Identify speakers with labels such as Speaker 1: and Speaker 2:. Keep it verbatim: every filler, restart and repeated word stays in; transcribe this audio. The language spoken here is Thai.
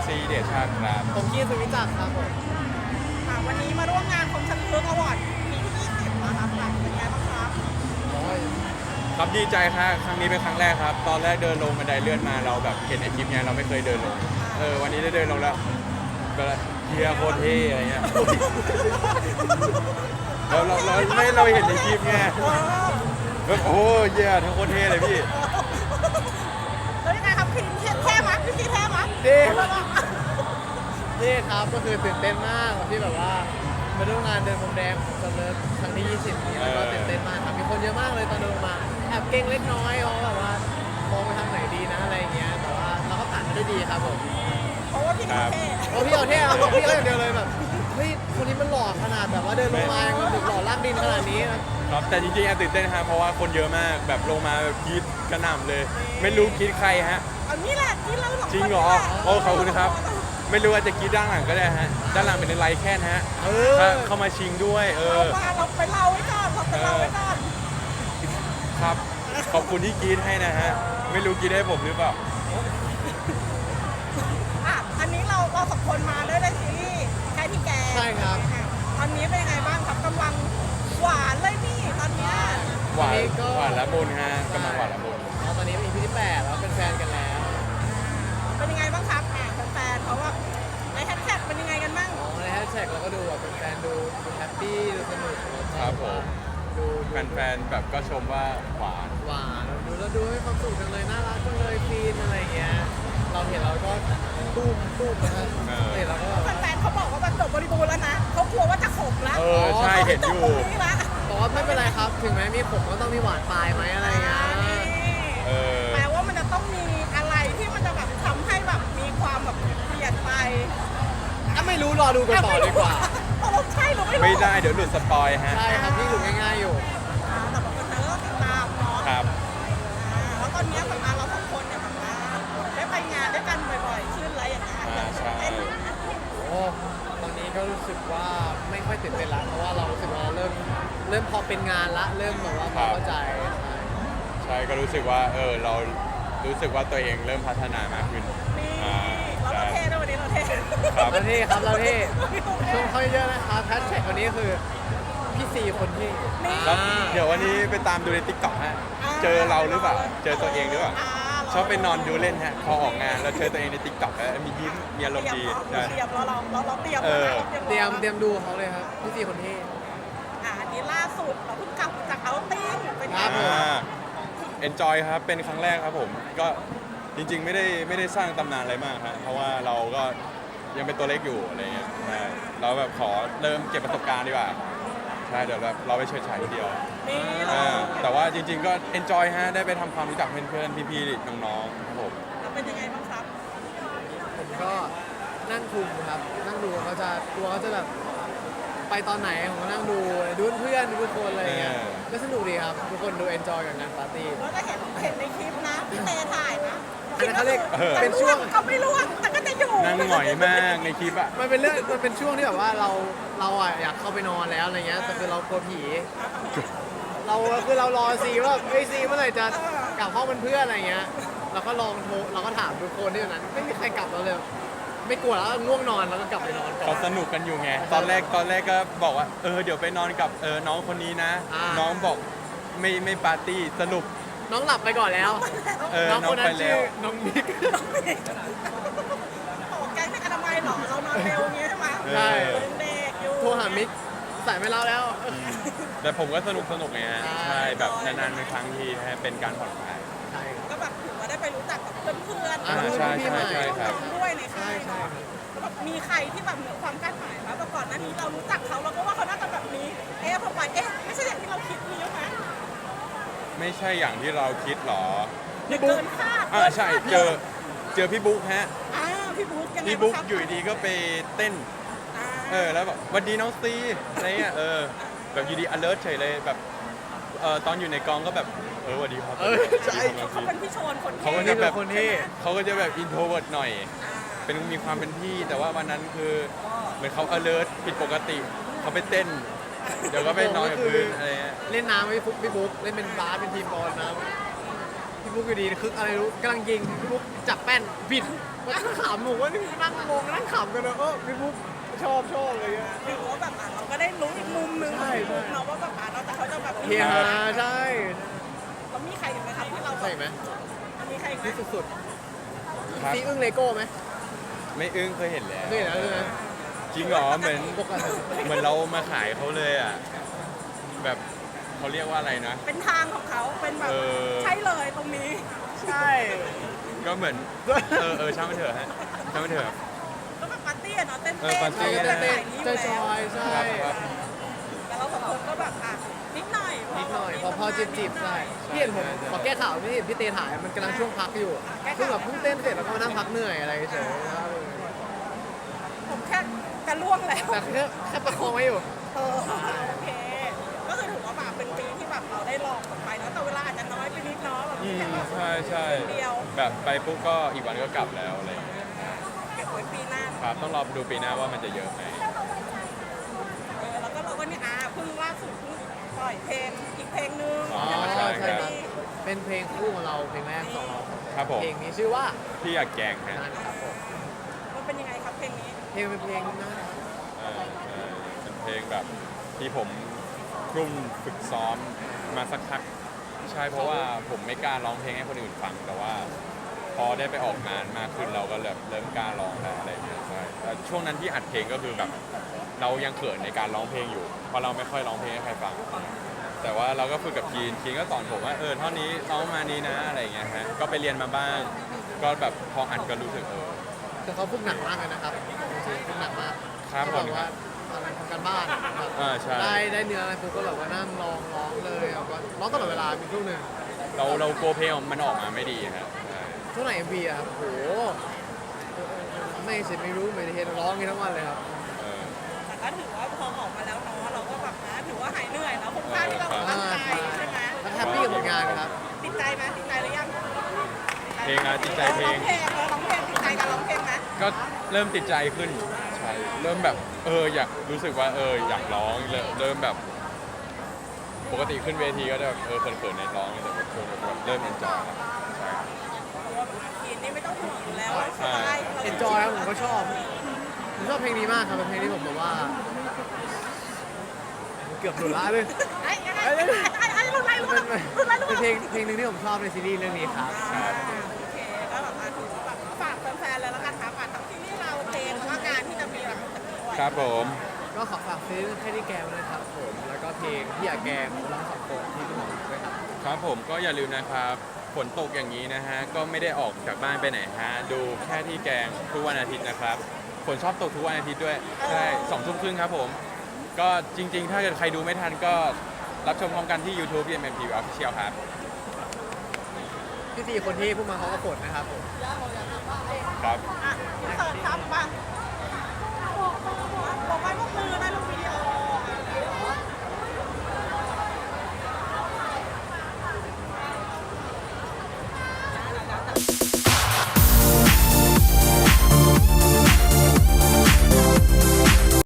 Speaker 1: ซีเดชชาติครับ
Speaker 2: ผมคีสุวิจักรครับผม
Speaker 3: ค่ะวันนี้มาร่วมงานคมชันเลือกอวอร์ดปีที่ยี่สิบนะครับเป็นไงบ้างครับ
Speaker 2: โอ้ย
Speaker 1: ครับดีใจครับครั้งนี้เป็นครั้งแรกครับ ตอนแรกเดินลงบันไดเลื่อนมาเราแบบเห็นในคลิปเนี้ยเราไม่เคยเดินลงเออวันนี้ได้เดินลงแล้วก็เฮียโคตรเท่อะไรเงี้ยเราเราเราไม่เราเห็นในคลิปไงแบบโอ้เฮียทั้งโคตรเท่เลยพี่
Speaker 3: แล้วยังไงครับพี่เท่ไหมพี่เท่ไหม
Speaker 2: เท่นี่ครับก็คือตื่นเต้นมากที่แบบว่ามาร่วมงานเดินพรมแดงของซัมเมอร์ครั้งที่ยี่สิบนี้แล้วก็ตื่นเต้นมากครับมีคนเยอะมากเลยตอนเดินมาแอบเก่งเล็กน้อยเพราะแบบว่ามองไปทางไหนดีนะอะไรอย่างเงี้ยแต่ว่าเราก็ผ่านมาได้ดีครับผม
Speaker 3: เพราะว่าพี่เท่
Speaker 2: โอ้พี่เอาเท่เอาพี่เอาอย่างเดียวเลยแบบเฮ้ยคนนี้มันหล่อขนาดแบบว่าเดินลงมายังแบบหล่อลากดินขนาดนี้ครับ
Speaker 1: ครับแต่จริงๆอะตื่นเต้นฮะเพราะว่าคนเยอะมากแบบลงมาแบบกรีดกระหน่ำเลย ไม่รู้กรีดใครฮะ
Speaker 3: อันนี้แหละที่เราสองคน
Speaker 1: จริงเหรอโอ้ขอบคุณครับ ไม่รู้ว่าจะกรีดด้านหลังก็ได้ฮะด้านหลังเป็นไลท์แค่นฮะ
Speaker 2: เอ
Speaker 1: ถ้า
Speaker 2: อ
Speaker 1: เข้ามาชิงด้วยเอ
Speaker 3: เรา
Speaker 1: อ
Speaker 3: มาเราไปเล่าไว้ก่อนเราไปเล่าไว้ก่อน
Speaker 1: ครับขอบคุณที่กรีดให้นะฮะไม่รู้กรีดให้ผมหรือเปล่า
Speaker 3: อ่ะอันนี้เราเราสองคนมาด้วยในซีรีส์ใครที่แก
Speaker 2: ใช่ครับ
Speaker 3: ตอนนี้เป็นยังไงบ้างครับกำลังหวานเลยนี่ตอนเนี้ย
Speaker 1: หวาน
Speaker 2: อันนี้ก็
Speaker 1: หวานละมุนฮะกำลังหวานละมุน
Speaker 2: อ๋อตอนนี้เป็น อี พี ที่แปดแล้วเป็นแฟนกันแล้ว
Speaker 3: เป็นยังไงบ้างครับอ่ะแฟนๆเขาว่าในแฮชแท็กเป็นยังไงกันบ้าง
Speaker 2: อ๋อในแฮชแท็กเราก็ดูแบบเป็นแฟนดูดูแฮปปี้ดูสนุกแล้วก็
Speaker 1: ครับผม
Speaker 2: ดู
Speaker 1: แฟนๆแบบก็ชมว่าหวาน
Speaker 2: หวานดูแล้วดูให้ความสุขจังเลยน่ารักจังเลยฟีนอะไรอย่างเงี้ยเราเห็นเราก็ตุ้มตุ้มนะฮะ
Speaker 1: เออ
Speaker 2: เห็นเราก็แบบ
Speaker 3: แฟนๆเขาบอกว่ามันจบบริบูรณ์แล้วนะเขากลัวว่าจะขมแล้ว
Speaker 1: เออใช่เห็นอยู่
Speaker 3: ขาจบตรงนี้ละ
Speaker 2: บอกว่าไม่เป็นไรครับ ถึงแม้มีผมก็ต้องมีหวานปลายไหมอะไรอย่างเงี้ย
Speaker 1: เออ
Speaker 3: แปลว่ามันจะต้องมีอะไรที่มันจะแบบทำให้แบบมีความแบบเปลี่ยนไป
Speaker 2: ก็ไม่รู้รอดูกันต่อดีกว่า
Speaker 3: ตกลงใช่หรือไม่รู้
Speaker 1: ไม่ได้เดี๋ยวหลุดสปอยฮะ
Speaker 2: ใช่ครับที่หลุดง่ายๆอยู่
Speaker 3: อ่าแต่บางคนก็ติดตามเนาะ
Speaker 1: ครับ
Speaker 3: อ่าแล้วตอนเนี้ยแบบว่าเราสองคนเนี่ยแบบว่าได้ไปงานด้วยกันบ่อยๆขึ้นอะไรอย่างเงี้ย
Speaker 1: อ่าใช่
Speaker 3: เต้นนะ
Speaker 2: โอ้ตอนนี้ก็รู้สึกว่าไม่ค่อยตื่นเต้นละเพราะว่าเรารู้สึกว่าเราเริ่มเริ่มพอเป็นงานละเริ่มแบบว่าพอเข้าใจใช่
Speaker 1: ใช่ก็รู้สึกว่าเออเรารู้สึกว่าตัวเองเริ่มพัฒนามากขึ้น
Speaker 3: นี่
Speaker 1: อ่า
Speaker 3: เรา
Speaker 1: ใช่
Speaker 3: เท่ด้วยวันนี้เราเท่
Speaker 1: ครับ
Speaker 2: เราเท่ครับเราเท่ชมเขาเยอะนะครับแฮชแท็กวันนี้คือพี่ซีคนที่
Speaker 3: นี่
Speaker 1: แล้วเดี๋ยววันนี้ไปตามดูในติ๊กต็อกฮะ เจอเราหรือเปล่า เจอตัวเองหรือเปล่า
Speaker 3: า
Speaker 1: ชอบไปนอนดูเล่นฮะ พอออกงานแล้วเจอตัวเองในติ๊กต็อกแล้วมียิ้ม มีอารมณ์ดี
Speaker 3: เตรียม
Speaker 1: ใช่
Speaker 3: เตรียมเราเราเราเราเตรียม
Speaker 1: เออ
Speaker 3: แล้วนะ
Speaker 2: เตรียมเตรียมดูเขาเลยครับพี่ซีคนที่
Speaker 3: อ่าอันนี้ล่าสุดเราเพิ่งกลับจากเอาท์ติ้งเป็นไง
Speaker 2: ครับ
Speaker 1: อ่าเอนจอยครับ เป็นครั้งแรกครับผม ก็จริงๆ ไม่ได้ไม่ได้สร้างตำนานอะไรมากครับเพราะว่าเราก็ยังเป็นตัวเล็กอยู่อะไรเงี้ยใช่เราแบบขอเริ่มเก็บประสบการณ์ดีกว่า ใช่ เดี๋ยวแบบเราไปเฉิดฉายทีเดียว
Speaker 3: นี่เรา
Speaker 1: อ่าแต่ว่าจริงๆ ก็เอนจอยฮะ ได้ไปทำความรู้จักเพื่อนๆ พี่ๆ น้องๆ ครับผม
Speaker 3: เราเป็นยังไงบ้างครับ
Speaker 2: ผมก็นั่งคุมครับ นั่งดูเขาจะตัวเขาจะแบบไปตอนไหนผมก็นั่งดูดูเพื่อนดูทุกคนอะไรอย่างเงี้ย
Speaker 1: เออ
Speaker 2: ก็สนุกดีครับทุกคนดูเอนจอยกับงานปาร์ตี้
Speaker 3: เราจะเห็นเห็นในคลิปนะพี่เตถ่ายนะ
Speaker 2: อันนั้นเขาเรียก
Speaker 1: เออ
Speaker 2: เป็นช่วง
Speaker 3: ก็ไม่ร่วงแต่ก็จะอยู่
Speaker 1: นั่งหงอยมากในคลิปอะ
Speaker 2: มันเป็นเรื่องมันเป็นช่วงที่แบบว่าเราเราอ่ะอยากเข้าไปนอนแล้วอะไรเงี้ยแต่คือเรากลัวผี เราคือเรารอซีว่าเฮ้ยซีเมื่อไหร่จะกลับห้องเป็นเพื่อนอะไรเงี้ยเราก็ลองโทรเราก็ถามทุกคนที่อยู่นั้นไม่มีใครกลับเราเลย ไม่กลัวแล้วง่วงนอนแล้วก็กลับไปนอนก่อ
Speaker 1: เขา
Speaker 2: น
Speaker 1: สนุกกันอยู่ไง ตอนแรกตอนแรกก็บอกว่า เออ เดี๋ยวไปนอนกับเออน้องคนนี้นะ
Speaker 2: อ่า
Speaker 1: น้องบอกไม่ไม่ปาร์ตี้สรุป
Speaker 2: น้องหลับไปก่อนแล้ว
Speaker 1: เออ
Speaker 2: น้องคนนั้
Speaker 1: น้อง
Speaker 2: น
Speaker 1: ไปแล้
Speaker 2: ชื่อ
Speaker 1: ว
Speaker 2: น้องบิ๊ก
Speaker 3: โอ้แก๊งเป็นอนามัยเหรอเรานอนเร็วอย่างงี้ใช่ไหม
Speaker 1: ใช่
Speaker 3: เป็นเด็กอยู่
Speaker 2: โทรหามิกใส่ไม่เล่าแล้ว
Speaker 1: แต่ผมก็สนุกสนุกไงฮะ
Speaker 2: ใช่
Speaker 1: ใช่แบบนานๆเป็นครั้งทีนะฮะเป็นการผ่อนคลาย
Speaker 2: ใช่ครับ
Speaker 3: ก็แบบถือว่าได้ไปรู้จักกับเพื่อนๆ
Speaker 2: อ่า
Speaker 1: ใช่
Speaker 2: พี่
Speaker 1: ใช่
Speaker 2: ใหม่
Speaker 1: ใช่ครับ
Speaker 3: ด้วยในค่าย
Speaker 2: ใช่
Speaker 3: เนาะ
Speaker 2: ใช่
Speaker 3: แบบมีใครที่แบบเหนือความคาดหมายไหมแบบก่อนหน้านี้เรารู้จักเขาเราก็ว่าเขาน่าจะแบบนี้ เอ๊ะพอไปเอ๊ะไม่ใช่อย่างที่เราคิดมีไหม
Speaker 1: ไม่ใช่อย่างที่เราคิดหรอ
Speaker 3: เกินคาด
Speaker 1: อ่าใช่เจอเจอพี่บุ๊กฮะ
Speaker 3: อ่าพี่บุ๊กยังไง
Speaker 1: พี่บุ๊ก
Speaker 3: บ้างครับ
Speaker 1: อยู่ดีๆก็ไปเต้น
Speaker 3: อ่า
Speaker 1: เออแล้วแบบหวันดีน้องซีอะไรเงี้ยเออแบบอยู่ดี alert เฉยเลยแบบเออตอนอยู่ในกองก็แบบเออสวัสดีครับ
Speaker 2: เออใช่
Speaker 1: สวัสดีครับ
Speaker 3: เขาเป็นพี่โชนคน
Speaker 1: เขาก็
Speaker 3: ที่
Speaker 1: จะแบบ
Speaker 2: คนที่
Speaker 1: เขาก็จะแบบ introvert หน่อย เป็นมีความเป็นพี่แต่ว่าวันนั้นคือเหมือนเขา alert ผิดปกติเขาไปเต้น เดี๋ยวก็ไปนอนกับพื้นอะไรเงี้ย
Speaker 2: เล่นน้ำไม่ฟุกพี่บุ๊กเล่นเป็นบาสเป็นทีมบอลนะพี่พี่บุ๊กอยู่ดีคึกอะไรรู้กำลังยิงพี่บุ๊กจับแป้นบิดมันก็ขำหนูว่านี่นั่งงงนั่งขำกันเลยเออพี่บุ๊กชอบชอบอะไรเงี้ย
Speaker 3: ถือว่าแบบอ่ะเราก็ได้รู้อีกมุมนึงของพี่บุ๊กเนาะว่าแบบอ่ะเราแต่เขาจะแบบ
Speaker 2: เฮียฮาใช่
Speaker 3: เรามีใครอีกไหมครับที่เรา
Speaker 2: ใช่ไหม
Speaker 3: มีใครอีกไหม
Speaker 2: ที่สุด
Speaker 1: ครับ
Speaker 2: ๆซีอึ้งเลโก้ไหม
Speaker 1: ไม่อึ้งเคยเห็นแล้ว
Speaker 2: เคยเห็นแล้วใช่ไหม
Speaker 1: จริงเหรอเหมือน
Speaker 2: ปกติ
Speaker 1: เหมือนเรามาขายเขาเลยอ่ะแบบเขาเรียกว่าอะไรนะ
Speaker 3: เป็นทางของเขาเป็นแบบ
Speaker 1: เออ
Speaker 3: ใช่เลยตรงนี้
Speaker 2: ใช่
Speaker 1: ก็เหมือนเออเออช่างมันเถอะฮะช่างมันเถอะ
Speaker 3: ก็แบบปาร์ตี้อะเนาะเต้น
Speaker 1: เอ
Speaker 3: เต้
Speaker 1: อน ปาร์ตี้
Speaker 2: เต้นเต้นเต้นจอยใช่
Speaker 1: ครับครับ
Speaker 3: แต่เราสองคนก็แบบอ่ะนิดหน่อย
Speaker 2: นิดหน่อยพอพอจิบจิบๆใช่พี่เห็นผมขอแก้ข่าวพี่พี่เตถ่ายมันกำลังช่วงพักอยู่เพิ่งแบบเพิ่งเต้นเสร็จแล้วก็มานั่งพักเหนื่อยอะไรเฉยๆ
Speaker 3: ผมแค่จะล่วงแล้ว
Speaker 2: แต่แค่แค่ประคองไว้อยู่
Speaker 3: เออโอเค ก็คือถือว่าแบบเป็นปีที่แบบเราได้ลองกันไปเนาะแต่เวลาอาจจะน้อยไปนิดเนาะแบบ
Speaker 1: อืม
Speaker 3: แค่แบบ
Speaker 1: ใช่ใช่
Speaker 3: เดียว
Speaker 1: แบบไปปุ๊บก็อีกวันก็กลับแล้วอะไรอย่างเงี้ย
Speaker 3: เก็บไว้ปีหน้า
Speaker 1: ครับต้องรอดูปีหน้าว่ามันจะเยอะไหม
Speaker 3: เออแล้วก็เราก็เนี่ยอ่ะเพิ่งล่าสุดเพิ่งปล่อยเพลงอีกเพลงนึง
Speaker 1: อ๋อ
Speaker 2: อ๋อ
Speaker 1: ใช่
Speaker 2: ใช่
Speaker 1: ครับ
Speaker 2: เป็นเพลงคู่ของเราเพลงแรกของเรา
Speaker 1: ครับผม
Speaker 2: เพลงนี้ชื่อว่า
Speaker 1: พี่อยากแกล้งฮะ
Speaker 2: นั่นครับผม
Speaker 3: มันเป็นยังไงครับเพลงนี้
Speaker 2: เพลงเป็นเพลงน่ารัก
Speaker 1: เออเออเป็นเพลงแบบที่ผมครุ่นฝึกซ้อมมาสักพักใช่เพราะว่าผมไม่กล้าร้องเพลงให้คนอื่นฟัง แต่ว่าพอได้ไปออกงานมากขึ้นเราก็เริ่มเริ่มกล้าร้องแล้วอะไรอย่างเงี้ยใช่แต่ช่วงนั้นที่อัดเพลงก็คือแบบเรายังเขินในการร้องเพลงอยู่เพราะเราไม่ค่อยร้องเพลงให้ใครฟัง แต่ว่าเราก็ฝึกกับคีนคีนก็สอนผมว่าเออเท่านี้ร้องมานี้นะอะไรอย่างเงี้ยฮะก็ไปเรียนมาบ้าง ก็แบบพออัดก็รู้สึกเออ
Speaker 2: แต่เขาฝึกหนักมากเลยนะครับจริงๆฝึกหนักมาก
Speaker 1: ครับ
Speaker 2: ที่
Speaker 1: ผม
Speaker 2: แบบว่าอะไรทำการบ้านแบบ
Speaker 1: อ่าใช่
Speaker 2: ได้ได้เนื้ออะไรปุ๊บก็แบบว่านั่งร้องร้องเลยแล้วก็ร้องตลอดเวลามีช่วงหนึ่ง
Speaker 1: เราเรากลัวเพลงมันออกมาไม่ดีฮะใช่
Speaker 2: ช่วงไหนเอ็มวีอะครับโหไม่เสร็จไม่รู้ไม่ได้เห็นร้องกันทั้งวันเลยครับ
Speaker 1: เออ
Speaker 3: แต่ก็ถือว่าพอออกมาแล้วเนาะเราก็แบบนะถือว่าหายเหนื่อยแล้วคุ้มค่าที่เราตั้งใจใช่ไหม
Speaker 2: แล้วแฮปปี้กับผลงานครับ
Speaker 3: ติดใจไหมติดใจหรือยัง
Speaker 1: เพลงอะจิตใจเพลง
Speaker 3: ร้องเพลงเออร้องเพลงติดใจการร้องเพลงไหม
Speaker 1: ก็เริ่มติดใจขึ้นใช่เริ่มแบบเอออยากรู้สึกว่าเอออยากร้องเริ่มเริ่มแบบ ปกติขึ้นเวทีก็จะแบบเออเขินๆในร้องแต่แบบช่วงนี้แบบเริ่มเอนจอยครับใช่
Speaker 3: เพราะว่าทีนนี่ไม่ต้องห่วงอยู่แล้วสบาย
Speaker 2: เอ็นจอยครับผมก็ชอบผมชอบเพลงนี้มากครับเป็นเพลงที่ผมแบบว่า เกือบหลุดละเลย
Speaker 3: ไอ้ไอ้ไอ้ไอ้ไอ้รุ่นไรรุ่น
Speaker 2: เป็น
Speaker 3: ไรรุ่นไรรุ่น
Speaker 2: เป็น
Speaker 3: ไร
Speaker 2: เพลงเพลงหนึ่งที่ผมชอบในซีรีส์เรื่องนี้ครับ
Speaker 3: โอเคก็แบบมาถือว่าแบบฝากแฟนๆเลยแล้วกันครับฝากทั้งซีรีส์เราเพลงแล้วก็งานที่จะมีหลังจากนี้ด้วย
Speaker 1: ครับผม
Speaker 2: ก็ขอฝากซื้อแค่ที่แกมนะครับผมแล้วก็เพลงที่อยากแกมร้องสองคนที่พี่หมอด้วยครับ
Speaker 1: ครับผมก็อย่าลืมนะครับฝนตกอย่างนี้นะฮะก็ไม่ได้ออกจากบ้านไปไหนฮะดูแค่ที่แกงทุกวันอาทิตย์นะครับฝนชอบตกทุกวันอาทิตย์ด้วยใช่สองทุ่มครึ่งครับผมก็จริง ๆ ถ้าเกิดใครดูไม่ทันก็รับชมพร้อมกันที่ YouTube พี เอ็ม เอ็ม ที วี Official ครับ
Speaker 2: พี่สี่คนที่พูดมาเขาก็ฝนนะครับผม
Speaker 1: ครับ
Speaker 3: อ่ะเสิร์ฟครับมาบอกไปพวกมือ